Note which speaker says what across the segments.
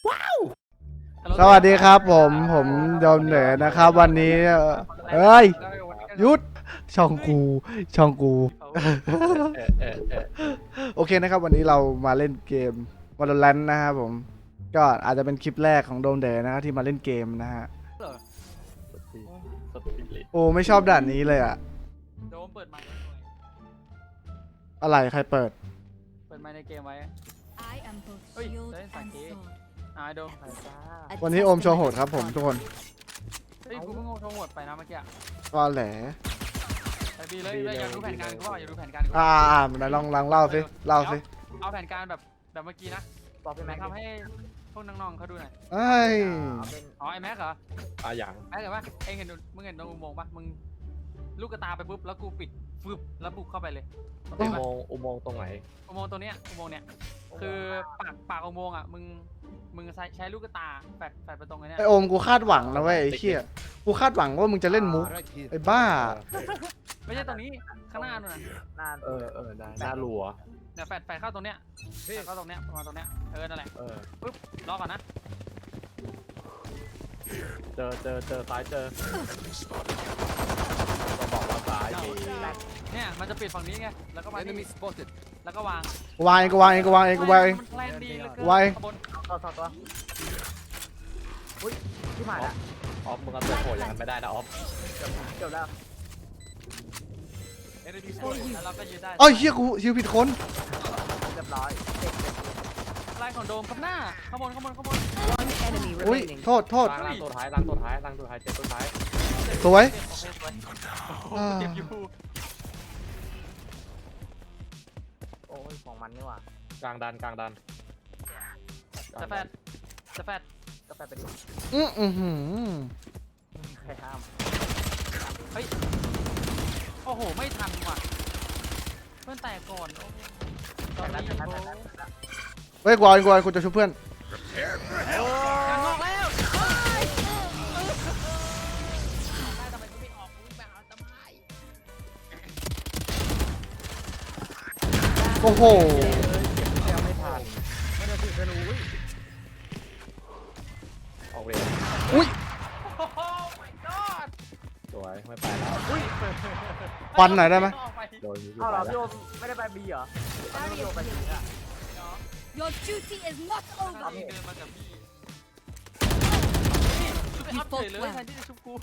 Speaker 1: สวัสดีครับผมโดมเหนือนะครับวันนี้เฮ้ยยุดช่องกูโอเคนะครับวันนี้เรามาเล่นเกม Valorant นะครับผมก็อาจจะเป็นคลิปแรกของโดมเดอนะที่มาเล่นเกมนะฮะโอ้ไม่ชอบด่านนี้เลยอะ
Speaker 2: โดมเปิดไมค์
Speaker 1: อะไรใครเปิด
Speaker 2: ในเกมไว้
Speaker 3: I am both
Speaker 2: เฮ้ย
Speaker 3: shield
Speaker 2: เล่นสัง
Speaker 3: and
Speaker 2: เกต
Speaker 3: sword.
Speaker 2: โดมใส่จ้า
Speaker 1: วันนี้โอมโชว์โหดครับผมทุกคน
Speaker 2: เฮ้ยกูเพิ่งโทรหมดไปนะเมื่อกี้
Speaker 1: ก็แหล
Speaker 2: ไปดีเลยอยากดูแผนการกูอยากดูแผนการกู
Speaker 1: ไหนลองเล่าสิ
Speaker 2: เอาแผนการแบบเมื่อกี้นะ
Speaker 4: บอกพี่แม็ก
Speaker 2: ทำให้พวกน้องๆเขาดูหน่อย
Speaker 1: เอ้ย
Speaker 2: อ๋อไอแม็กเหรอ
Speaker 4: อย่าง
Speaker 2: แม็กเหรอวะเองเห็นมึงเห็นตรงอุโมงค์ปะมึงลูกกระตาไปปุ๊บแล้วกูปิดฟึบแล้วบุกเข้าไปเลย
Speaker 4: อุโมงค์ตรงไหน
Speaker 2: อุโมงค์ตัวเนี้ยอุโมงค์เนี้ยคือปากอุโมงค์อ่ะมึงใช้ลูกกระตาแฝดไปตรงไอ้เนี้ย
Speaker 1: ไอโอมกูคาดหวังนะเว้ยไอ้เชี่ยกูคาดหวังว่ามึงจะเล่นมุกไอ้บ้า
Speaker 2: ไม่ใช่ตรงนี้ข้างหน้านู่นน่ะ
Speaker 4: หน้าได้หน้ารัว
Speaker 2: เนี่ยแฝดเข้าตรงเนี้ยแฝดเข้าตรงเนี้ยประมาณตรงเนี้ยนั่นแหละ ปึ๊บรอก่อนนะ
Speaker 4: เจอซ้ายเจอจะบอกว่าซ้ายมี
Speaker 2: เนี่ยมันจะปิดฝั่งนี้ไงแล้วก็มานี่แล้วก็วาง
Speaker 1: วางเองกูวางเอง
Speaker 2: มันแพลนดีเหลือเกิน
Speaker 1: ไว้
Speaker 2: ข้างบน
Speaker 4: ตัวอุ้ยที่ผ่านละออฟมึงเอาตัวโผล่อย่างนั้นไม่ได้นะออฟเกือบแล้ว
Speaker 2: แล้วเราก็ยืนได้
Speaker 1: เอ้ยเฮียกูฮิวผิดคน
Speaker 4: เรียบร้อย
Speaker 2: ไล่ของโดมกับหน้าข้างบน
Speaker 5: One enemy
Speaker 1: อุ้ย
Speaker 5: remaining.
Speaker 1: โทษ
Speaker 4: ล้างตัวท้ายเจอตัวท้าย
Speaker 1: สวย
Speaker 2: โอเคสวยโอ้เจ็บอยู่
Speaker 4: โอ้ยของมันนี่หว่ากลางดัน
Speaker 2: จะแฟด
Speaker 4: กาแฟไปดิ
Speaker 1: หือ
Speaker 4: ใครห้าม
Speaker 2: เฮ้ยโอ้โหไม่ทันว่ะเพื่อนแตกก่อนตอนนี้โอ้
Speaker 1: เฮ้ยกูเอากูจะช่วยเพื่อน
Speaker 2: งานงอกแล้วได้ทำไมกูไม่ออกกูแบบทำไม
Speaker 1: โอ้โห
Speaker 4: ยังไม่ทันไม่ได้ถือธนูออกเวร
Speaker 1: อุ้ย
Speaker 2: โอ้โห my god
Speaker 4: สวยไม่ไปแล้ว
Speaker 1: ฟันหน่อยได้ไหม
Speaker 4: โดนอยู่
Speaker 6: เอาเหรอ
Speaker 4: ไป
Speaker 6: พี่
Speaker 4: แล้ว
Speaker 6: โอมไม่ได้ไปบีเหรอพี่โอมไปบีอ่ะ
Speaker 3: Your duty is not
Speaker 2: ตอน
Speaker 3: over.
Speaker 2: นี้เดินมากับพี่ชุบไปอัพเลยแทนที่จะชุบกู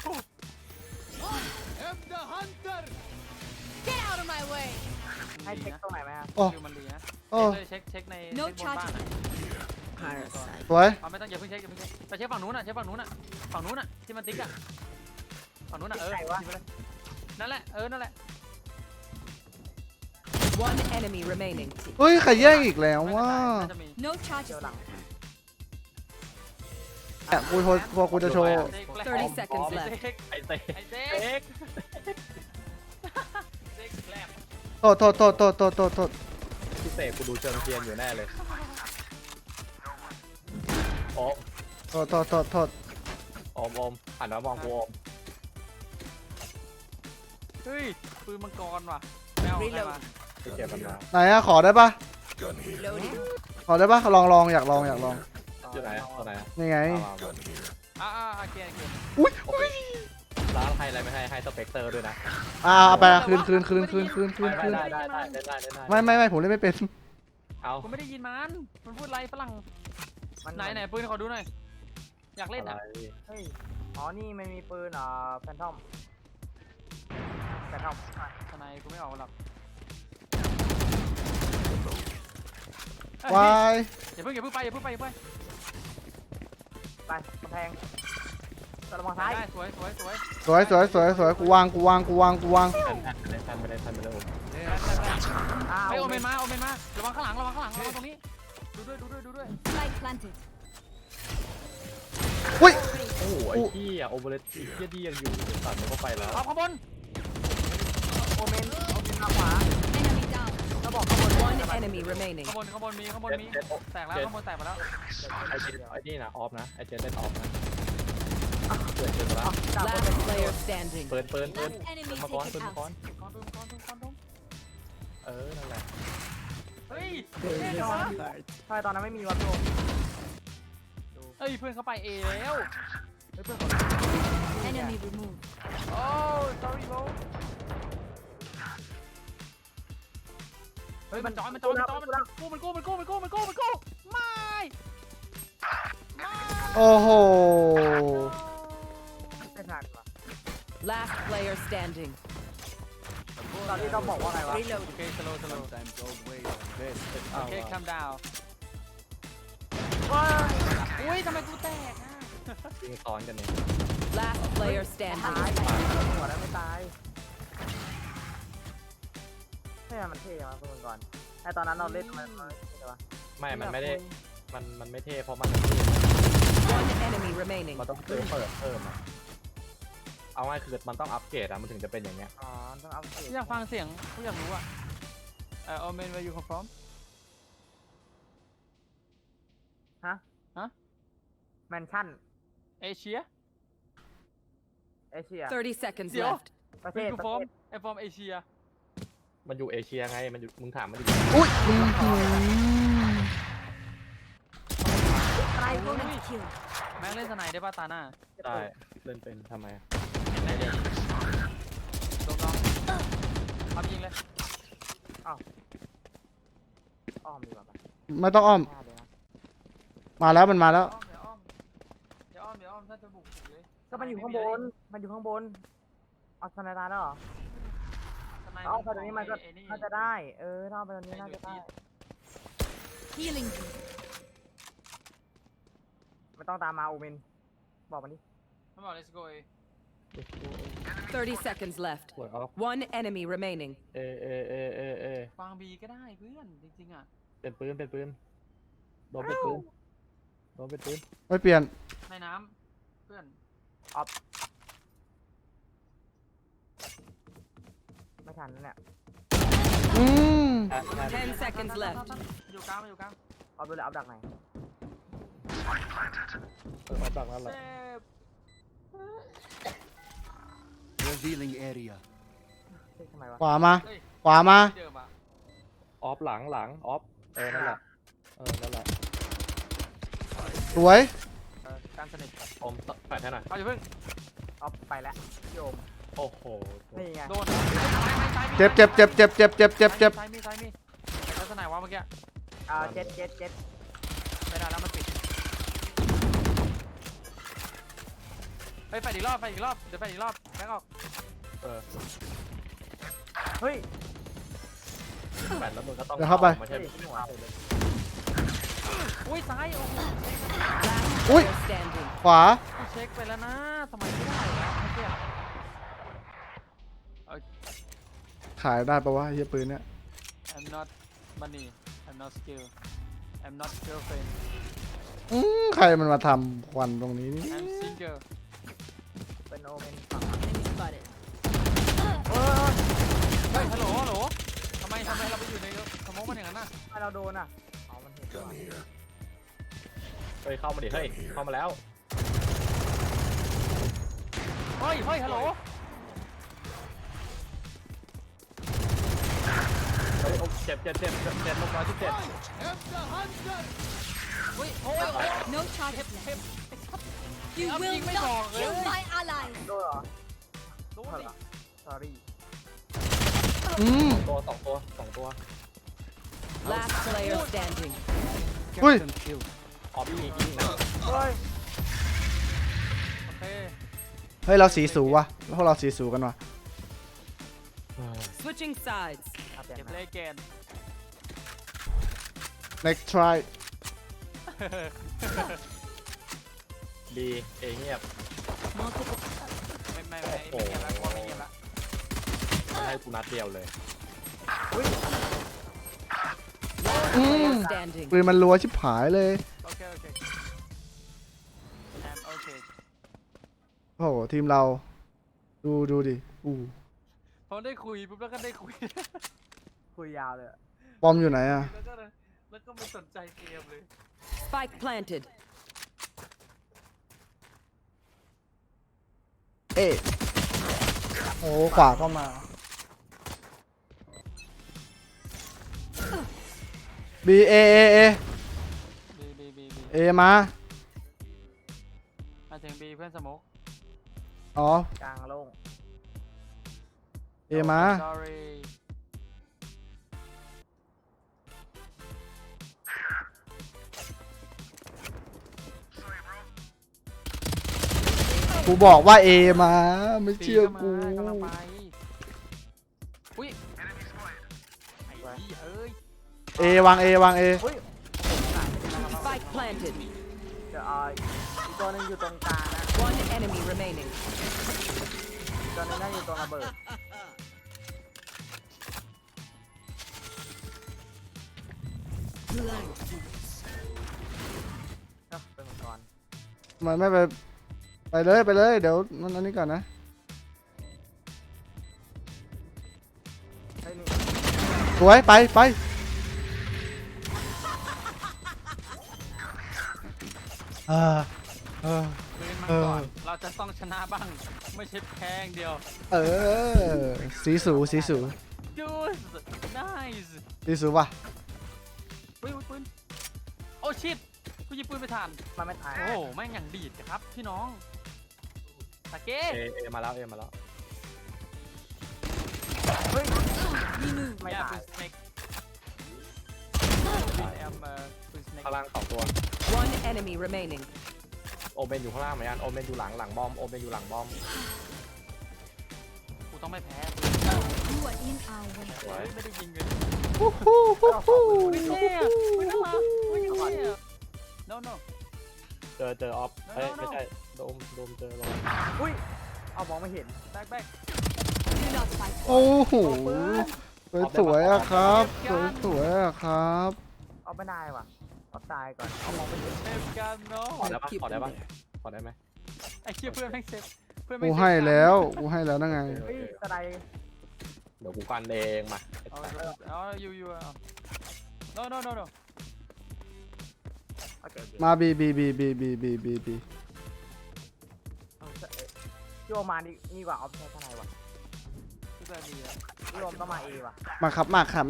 Speaker 3: Get out of my way.
Speaker 6: ให้เช็คตรงไหนไหมฮะ
Speaker 1: โอ้
Speaker 2: มันดีนะ
Speaker 1: โอ้
Speaker 2: เช็คใน
Speaker 3: No
Speaker 2: บนบ้าน
Speaker 3: charges.
Speaker 1: สวย
Speaker 2: ไม่ต้องอย่าเพิ่งเช็คไปเช็คฝั่งนู้นน่ะฝั่งนู้นน่ะที่มันติ๊กอ่ะฝั่งนู้นน่ะนั่นแหละนั่นแหละ
Speaker 5: One enemy remaining.
Speaker 1: เฮ้ยใครแย่งอีกแล้วว่า
Speaker 3: No charges.
Speaker 1: กูจะโชว์
Speaker 5: 30 seconds left.
Speaker 4: ไอเต้
Speaker 2: ไอ้เจ๊
Speaker 4: เอ็ก
Speaker 2: เจ๊แกลบ
Speaker 1: โทษ
Speaker 4: พี่เสกกูดูเชิงเทียนอยู่แน่เลยโอ้
Speaker 1: โทษ
Speaker 4: อมหันมามองกูอม
Speaker 2: เฮ้ยปืนมังกรว่ะแมวใครมา
Speaker 4: ไปเก็บมันมา
Speaker 1: ไหนอะขอได้ปะ
Speaker 5: Loading.
Speaker 1: ขอได้ปะลองอยากลอง
Speaker 4: อยู่ไหนตัวไหน
Speaker 1: นี่ไง
Speaker 2: โอเค
Speaker 1: อุ้ย
Speaker 4: ร้านให้อะไรไม่ให้สเปกเตอร์ด้วยนะ
Speaker 1: เอาไปคืน
Speaker 4: ได้
Speaker 1: ไม่ผมเล่นไม่เป็น
Speaker 4: เอา
Speaker 2: กูไม่ได้ยินมันพูดไรฝรั่งไหนปืนขอดูหน่อยอยากเล่นอ่ะ
Speaker 6: เฮ้ยอ๋อนี่มันมีปืนแฟนทอม
Speaker 2: ทนายกูไม่ออกหรอก
Speaker 1: วาย
Speaker 2: อย่าเพิ่งไป
Speaker 6: ไปกำแพงตะลงมาซ้าย
Speaker 2: สวย
Speaker 1: สวยกูวาง
Speaker 4: ทันไปเลยผม
Speaker 2: ไปโอเมนมาระวังข้างหลังระวังตรงนี้ดูด้วย
Speaker 3: Light planted.
Speaker 1: อุ้ย
Speaker 4: โอ้โหไอ้ที่โอเวอร์เลสที่ดียังอยู่ตัดมันก็ไปแล้ว
Speaker 2: เอาข้างบน
Speaker 6: โอเมนมาขวา
Speaker 3: Enemy down.
Speaker 6: ก็บอกข้างบน
Speaker 5: One enemy remaining.
Speaker 2: ข้างบนมีแตกแล้วข้างบนแตกไปแล้ว
Speaker 4: ไอ้นี่นะออฟนะไอ้เจนเล่นออฟนะเปิดแล้ว
Speaker 5: Last player standing.
Speaker 4: เปิด
Speaker 3: Last enemy
Speaker 4: มาก้อน
Speaker 3: taken
Speaker 4: มาก้อน
Speaker 3: out.
Speaker 4: นั่นแหละ
Speaker 2: เฮ้ย
Speaker 6: ใช่ตอนนั้นไม่มีวะพี่โอม
Speaker 2: ดูเฮ้ยเพื่อนเขาไปเอแล้ว
Speaker 6: เฮ้ยเพื่อนของ
Speaker 3: Enemy removed.
Speaker 2: โอ้ sorry bro
Speaker 6: เฮ้ย
Speaker 2: มันจอยมันกู้ไม่
Speaker 1: โอ้โห
Speaker 6: ไม่ทันว่ะ
Speaker 5: Last player standing.
Speaker 6: ตอนนี้ต้องบอกว่าไงวะ
Speaker 5: Reload.
Speaker 2: โอเค slow โอเค calm down อุ้ยทำไมกูแตกอ่ะ
Speaker 4: ยิงซ้อนกันเนี่ย
Speaker 5: Last player
Speaker 6: ตาย
Speaker 5: standing.
Speaker 6: หัวแล้วไม่ตายไม่มันเท่มาคุณก่อนไอตอนนั้นเราเล่นมันใช่ปะ
Speaker 4: ไม่ มันไม่ได้ มันไม่เท่เพราะมัน
Speaker 5: One enemy remaining.
Speaker 4: มันต้องเพิ่มอะเอาง่ายคือมันต้องอัปเกรดอะมันถึงจะเป็นอย่างเงี้ย
Speaker 6: อ๋อต้องอัพเกรด
Speaker 2: อยากฟังเสียงกูอยากรู้อ่ะOmen where you come from
Speaker 6: แมนชั่น
Speaker 2: Asia
Speaker 6: เอเชีย
Speaker 5: 30 seconds
Speaker 2: Yo.
Speaker 5: left.
Speaker 6: ประเท
Speaker 2: where
Speaker 6: ศ
Speaker 2: you from I'm from Asia
Speaker 4: มันอยู่เอเชียไง มันอยู่ มึงถามมันอยู่
Speaker 1: อุ้ย
Speaker 3: I will kill.
Speaker 2: แม่งเล่นสไนได้ป่ะตาหน้า
Speaker 4: ได้เล่นเป็นทำไม
Speaker 2: ได้เลยลงน้องทำยิงเลย
Speaker 6: อ้อมดีกว่าปะ
Speaker 1: ไม่ต้องอ้อม
Speaker 6: หน้าเลยนะ
Speaker 1: มาแล้วมันมาแล้ว
Speaker 2: เดี๋ยวอ้อมถ้าจะบุกเลย
Speaker 6: ก็มันอยู่ข้างบน มันอยู่ข้างบนเอาสไนตาแล้วเหรอ
Speaker 2: สไน
Speaker 6: เอาไปตรงนี้มันก็
Speaker 2: ไอ้นี่
Speaker 6: น่าจะได้ ถ้าเอาไปตรงนี้น่าจะได้
Speaker 3: Healing you.
Speaker 6: ไม่ต้องตามมาโอเมนบอกมันดิ
Speaker 2: มันบอก let's go
Speaker 5: 30 seconds left.
Speaker 4: สวยออฟ
Speaker 5: One enemy remaining.
Speaker 2: ฟังบีก็ได้เพื่อนจริงๆอ่ะ
Speaker 4: เป็นปืนโดนเป็นปืน
Speaker 1: ไม่เปลี่ยน
Speaker 2: ในน้ำเพื่อน
Speaker 6: ไม่ทันแล้วเนี่ย
Speaker 1: อืม
Speaker 5: 10 seconds left.
Speaker 2: อยู่กลางอยู่กลาง
Speaker 6: เอาดูเลยเอาดักไหน
Speaker 4: เอาดักนั่นแหละ
Speaker 2: เจ็บ
Speaker 7: Revealing area.
Speaker 6: เช็คทำไมวะ
Speaker 1: ขวามา
Speaker 2: เฮ้ย
Speaker 1: ขวามา
Speaker 2: ที่เดิมอ่ะ
Speaker 4: ออฟหลังออฟนั่นแหละนั่นแหละ
Speaker 1: สวย
Speaker 2: การสนิท
Speaker 4: อมแปดให้หน่อย
Speaker 2: เอาอย่าเพิ่ง
Speaker 6: เอาไปแล้วโยม
Speaker 4: โอ้โห
Speaker 6: นี่ไง
Speaker 2: โดน
Speaker 1: เจ็บ
Speaker 2: ซ้ายมีแล้วสไนวะเมื่อกี้
Speaker 6: เจ็ด
Speaker 2: ไม่ได้แล้วมันปิดไปอีกรอบเดี๋ยวไปอีกรอบแบงค์ออก
Speaker 6: เฮ้ย
Speaker 4: แปดแล้วมึงก็ต้อง
Speaker 1: เดี๋ยวเข้าไป
Speaker 4: ไม่ใช่
Speaker 6: หัว
Speaker 2: อุ้ยซ้ายโอ้โห
Speaker 5: Last
Speaker 1: Ui.
Speaker 5: player standing.
Speaker 1: ขวา
Speaker 2: กูเช็คไปแล้วนะทำไมไม่ได้วะเมื่อกี้
Speaker 1: ขายได้ปะวะเฮียปืนเนี่ย
Speaker 2: I'm not money I'm not skill I'm not girlfriend
Speaker 1: ใครมันมาทำควันตรงนี้นี่
Speaker 2: I'm single
Speaker 6: เป็นโอเมนฝั่ง
Speaker 3: Enemy spotted.
Speaker 2: เฮ้ยฮัลโหลทำไมเราไปอยู่ในสมองมันอย่างนั้นน่ะ
Speaker 6: ให้เราโดนอ่ะอ๋อมันเห็นด้วย
Speaker 4: เฮ้ยเข้ามาดิเฮ้ยเข้ามาแล้ว
Speaker 2: เฮ้ยฮัลโหล
Speaker 4: เฮ้ยเจ็บลงมาที่เจ็บ
Speaker 2: โอ้ย
Speaker 3: No charges left. You
Speaker 2: Ông
Speaker 3: will
Speaker 2: Duyên mới
Speaker 3: not
Speaker 2: còn
Speaker 3: kill
Speaker 2: nữa.
Speaker 3: my allies.
Speaker 6: โดนเหรอ
Speaker 2: โดนดิ
Speaker 6: sorry
Speaker 1: อืม
Speaker 4: สองตัว
Speaker 5: Last player standing.
Speaker 1: Ui.
Speaker 7: Captain killed.
Speaker 4: ออฟยิงนะ
Speaker 6: เฮ้ย
Speaker 2: โอเค
Speaker 1: เฮ้ยเราสีสูวะพวกเราสีสูกันวะ
Speaker 5: Switching sides.
Speaker 6: เอาเปลี่ยน
Speaker 2: เก็บ
Speaker 6: มา
Speaker 2: เลขแกน
Speaker 1: next try
Speaker 4: ดีเงียบ
Speaker 3: Multiple.
Speaker 2: ไม่เงียบแล้วกลัวไม่เงียบแล้ว
Speaker 4: มันให้กูนัดเดียวเลย
Speaker 5: Last player standing.
Speaker 1: ปืนมันรัวชิบหายเลย
Speaker 2: โอเคโอเคโอเค
Speaker 1: โอ้โหทีมเราดูดิอู้
Speaker 2: พอได้คุยปุ๊บแล้วก็ได้คุย
Speaker 6: คุยยาวเลยอะ
Speaker 1: ปอมอยู่ไหนอะ
Speaker 2: แล้วก็ไม่สนใจเกมเลย
Speaker 5: Spike planted.
Speaker 1: เอ๊ะโอ้ขวาก็มา B A A A
Speaker 2: บี
Speaker 1: A มา
Speaker 2: เพื่อนสโมก
Speaker 1: อ๋อก
Speaker 6: ลางโล่ง
Speaker 1: เอมา
Speaker 2: sorry
Speaker 1: กูบอกว่าเอมาไม่เชื่อกู
Speaker 2: กำลังไปอุ้ยไอ้เหี้ยเอ้ย
Speaker 1: เอวางเอวางเอ
Speaker 5: Spike planted.
Speaker 6: เดี๋ยวอีกตัวหนึงอยู่ตรงกลางนะ
Speaker 5: One enemy remaining.
Speaker 6: อีกตัวหนึงน่าอยู่ตรงระเบิด เป็นมังกร
Speaker 1: มันไม่ไปไปเลยเดี๋ยวมันอันนี้ก่อนนะ
Speaker 6: เฮ้ยนี่
Speaker 1: สวยไปเออ
Speaker 2: ปืนมันก่อน เราจะต้องชนะบ้าง ไม่ใช่แพ้อย่างเดียว
Speaker 1: เออสีสู
Speaker 2: Dude nice
Speaker 1: สีสูว่ะ
Speaker 2: อุ้ยปืนโอ้ชิตกูยิงปืนไปทัน
Speaker 6: มันไม่ตาย
Speaker 2: โอ้โหแม่งอย่างดีดครับพี่น้องตะเก้
Speaker 4: เอมาแล้วเอมาแล้ว
Speaker 6: เฮ้ย
Speaker 3: Remove.
Speaker 6: ไม่
Speaker 2: อย่า
Speaker 6: ตา
Speaker 2: ปื
Speaker 6: ย
Speaker 2: นสเน็ก I am ปืนสเน็ก
Speaker 4: ข้างล่าง2ตัว
Speaker 5: One enemy remaining.
Speaker 4: โอเมนอยู่ข้างล่างเหมือนกันโอเมนอยู่หลังบอมโอเมนอยู่หลังบอม
Speaker 2: กูต้องไม่แพ้
Speaker 3: You are in our way.
Speaker 2: เฮ้ยไม่ได้ยิงเลย
Speaker 1: ฮู้ฮู้ฮู้
Speaker 2: ไม่เท่อะไม่น่ารักไม่เท่อะ no no
Speaker 4: เจอออฟเอ้ยไม่ใช่โดมเจอลง
Speaker 6: อุ้ย เอามองไม่เห็น
Speaker 2: back
Speaker 3: Do not fight.
Speaker 1: โอ้โหสวยอะครับสวยอะครับ
Speaker 6: เอาไม่ได้ว่ะเอาตายก่อน เอามองไม่เห็น
Speaker 2: เซฟกันเนาะ
Speaker 4: ขอได้ปะขอได้ปะขอได้ไหม
Speaker 2: ไอ้เชี่ยเพื่อนแม่งเซฟเพื่อน
Speaker 1: กู
Speaker 2: แม่งเซฟ
Speaker 1: ให้แล้วนั่นไง
Speaker 6: เฮ้ยสไลด์
Speaker 4: เดี๋ยวกูกันเองมา
Speaker 2: เอาอยู่เอา no no no no
Speaker 6: โอเค
Speaker 1: มาบี
Speaker 6: พี่โอมานี่กว่าออฟใช้ทนายว่ะ
Speaker 2: ทุกแบบดีอะ
Speaker 6: พี่โอมต้องมาเอว่ะ
Speaker 1: มาครับ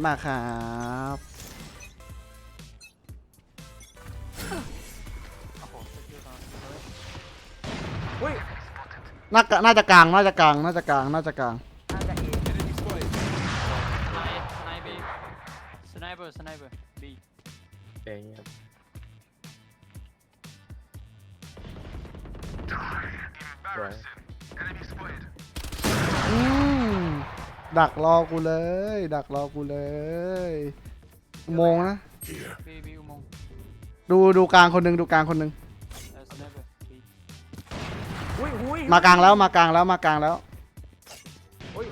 Speaker 2: โอ้โหสกิลตอน
Speaker 6: อุ้ย
Speaker 1: น่าจะกลาง
Speaker 6: น่าจะเอ
Speaker 2: สไนบีสไนเปอร์บี
Speaker 4: เองครับ สวย
Speaker 1: ดักรอกูเลย อุโมงค์นะ
Speaker 2: บีอุโมงค์
Speaker 1: ดูกลางคนหนึง
Speaker 2: สไนเปอร์บี
Speaker 6: อุ้ย
Speaker 1: มากลางแล้ว
Speaker 6: อุ้ย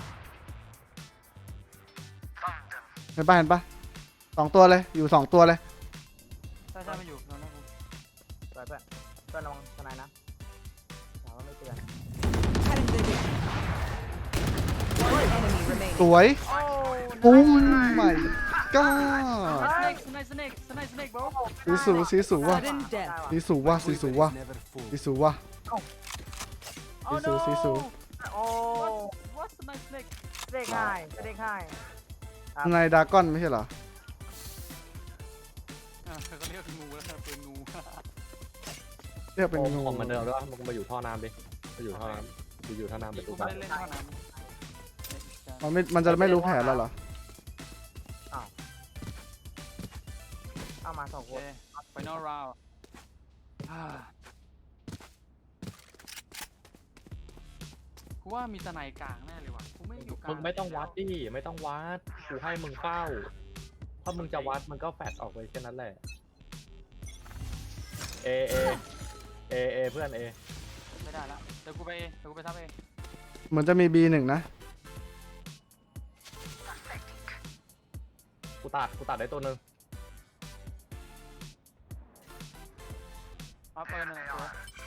Speaker 1: เห็นปะ2 ตัวเลยอยู่2 ตัวเลย
Speaker 2: ใช่มันอยู่นั่นนะกู
Speaker 6: สวยเพื่อนระวังทนายนะถามว่าไม่เตือน
Speaker 5: One enemy remaining.
Speaker 1: สวย
Speaker 2: โอ้
Speaker 1: ปุ้มไม่ก็
Speaker 2: สไนบอ
Speaker 1: สีสูว่ะ
Speaker 5: Sudden
Speaker 6: ได้
Speaker 5: death.
Speaker 6: ว่ะ
Speaker 1: สีสูว่ะ
Speaker 7: Never fool.
Speaker 1: สีสูว่ะ สีสู
Speaker 6: โอ้
Speaker 2: what สไนสเน็ก
Speaker 6: เด็กง่ายเด็กง่าย
Speaker 1: ในดราก้อนไม่ใช่เหรอ
Speaker 2: เขาเรียกงูแล้วปืนงู
Speaker 1: เรียกเป็น
Speaker 4: โอ
Speaker 1: งู
Speaker 4: มมันเดิมด้วยมึงมาอยู่ท่อน้ำดิมาอยู่ท่อน้ำอยู่ท่อน้ำไป
Speaker 2: กู
Speaker 4: ดู
Speaker 2: ไม่
Speaker 4: กัน
Speaker 2: ได้เล่นเท่านั้น
Speaker 1: มันจะไม่รู้แผนแล้วเหรอ
Speaker 6: เอามา2
Speaker 2: โอ
Speaker 6: ค
Speaker 2: เคน final round กูว่ามีสไนกลางแน่เลยว่ะกูไม่อยู่กลาง
Speaker 4: มึงไม่ต้องวัดดิไม่ต้องวัดกูให้มึงเฝ้าถ้ามึงจะวัดมันก็แฟดออกไปแค่นั้นแหละเอเพื่อนเอ
Speaker 2: ไม่ได้ละเดี๋ยวกูไปทับเอง
Speaker 1: เหมือนจะมี B1 นะ
Speaker 4: กูตัดได้ตัวหนึ่ง
Speaker 2: เอาเปิดหนึ่งตัว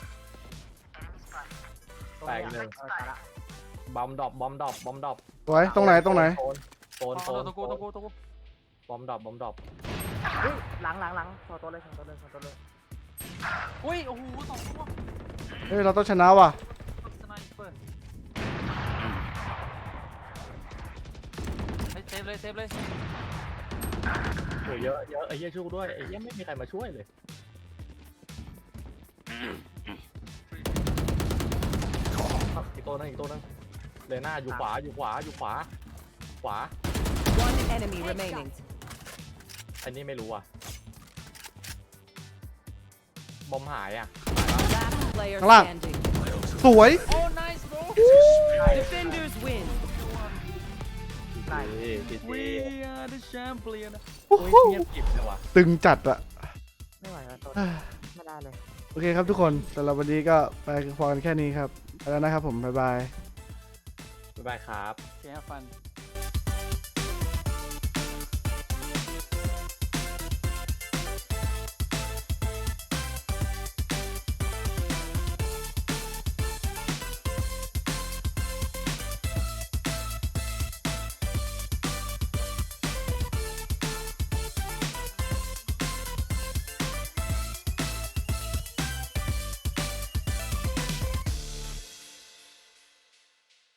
Speaker 4: แตกหนึ่ง
Speaker 6: ตายละ
Speaker 4: บอมดรอป
Speaker 1: สวยตรงไหน
Speaker 4: โซน
Speaker 2: ตัวกู
Speaker 4: บอมดรอป
Speaker 6: เฮ้ยหลังตัวเลย
Speaker 2: อุ้ยโอ้โห2 ตัว
Speaker 1: เฮ้ยเราต้องชนะว่ะ
Speaker 2: สไนเปอร์เซฟเลย
Speaker 4: โอ้ยเยอะไอ้เหี้ยช่วยกูด้วยไอ้เหี้ยไม่มีใครมาช่วยเลยอีกตัวนึงเลยหน้าอยู่ขวาอยู่ขวาอยู่ขวาขวา
Speaker 5: One enemy remaining.
Speaker 4: อันนี้ไม่รู้อ่ะบอมหายอ่ะ
Speaker 5: Last player
Speaker 1: Come on.
Speaker 5: standing.
Speaker 1: สวย
Speaker 2: โอ้ nice bro
Speaker 5: Defenders win.
Speaker 6: ไหน
Speaker 4: จี
Speaker 2: we are the champion
Speaker 4: โอ้ยเงียบกริบเลยว่ะ
Speaker 1: ตึงจัดอะ
Speaker 6: ไม่ไหวแล้วตัวไม่ได้เลย
Speaker 1: โอเคครับทุกคนสำหรับวันนี้ก็ไปพอกันแค่นี้ครับไปแล้วนะครับผมบ๊ายบาย
Speaker 4: บ๊ายบายครับ
Speaker 2: okay have fun